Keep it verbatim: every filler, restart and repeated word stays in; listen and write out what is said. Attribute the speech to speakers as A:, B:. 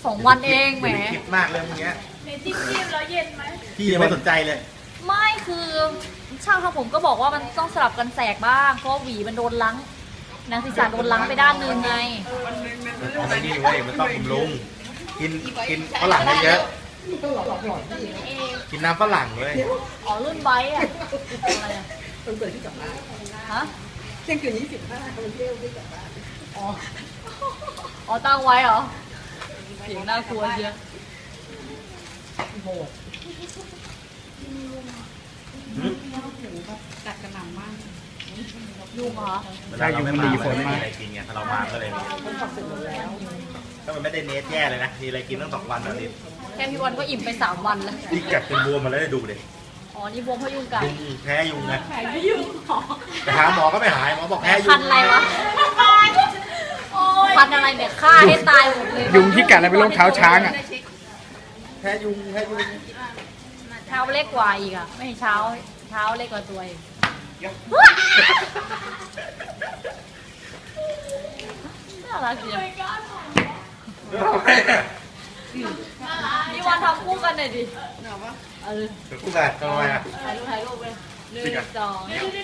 A: สองวันเองแหม
B: คิดมากเลยเมื่อกี้
C: ในจิ้มจิ้มแล้วเย็นไหม
B: พี่ยังไม่สนใจเลย
A: ไม่คือช่างทำผมก็บอกว่ามันต้องสลับกันแสกบ้างเพราะหวีมันโดนล้างหนังศีรษะโดนล้างไปด้านหนึ่งไง
B: มันต้องไปนี่เว้ยมันต้องบำรุงกินกินฝรั่งเยอะๆกินน้ำฝรั่งเลย
A: อ๋อรุ่นไบค์อะอะไรอะ
D: คนเปิดที่กลับบ้าน
A: ฮะ
D: เที่ยงคืนยี่สิบห้าคนเที่ยวที่กลับบ้าน
A: อ๋ออ๋อตั้งไว้เหรอเสียงน่ากลัวเยอะ
D: โหด
C: กัดกระหน่ำมาก
A: ยุงเหรอ
B: เวลาเราไม่มามันไม่มีอะไรกินไงถ้าเรามาก็เลยมี
D: คนขับเสร็จหมดแล้ว
B: ถ้ามันไม่ได้เนสแย่เลยนะมีอะไรกินตั้งสองวันแล้วดิ
A: แค่พี่บอลก็อิ่มไปสามวันแล้ว
B: นี่กัดเป็นบวมมาแล้วได้ดูเลย
A: อ๋อนี่บวมเพราะยุงกัด
B: ยุงแพ้ยุงไง
C: แผลไม่ยุ่งหรอ
B: ไปหาหมอก็ไม่หายหมอบอกแพ้ยุง
A: พันอะไรวะพันอะไรเนี่ยฆ่าให้ตายหมดเลย
E: ยุงที่กัดแล้วเป็นโรคเท้าช้างอ่ะ
B: แพ้ยุงแพ้ยุง
A: เท้าเล็กกว่าอีกอ่ะไม่ใช่เช้าเท้าเล็กกว่าตัวอีกน่ารักจังพี่วันทำคู่กันหน่อยดิเออ
B: กูแบบทำไมอ่ะ
A: ถ่ายรูปถ่ายรูปไปหนึ่งสอง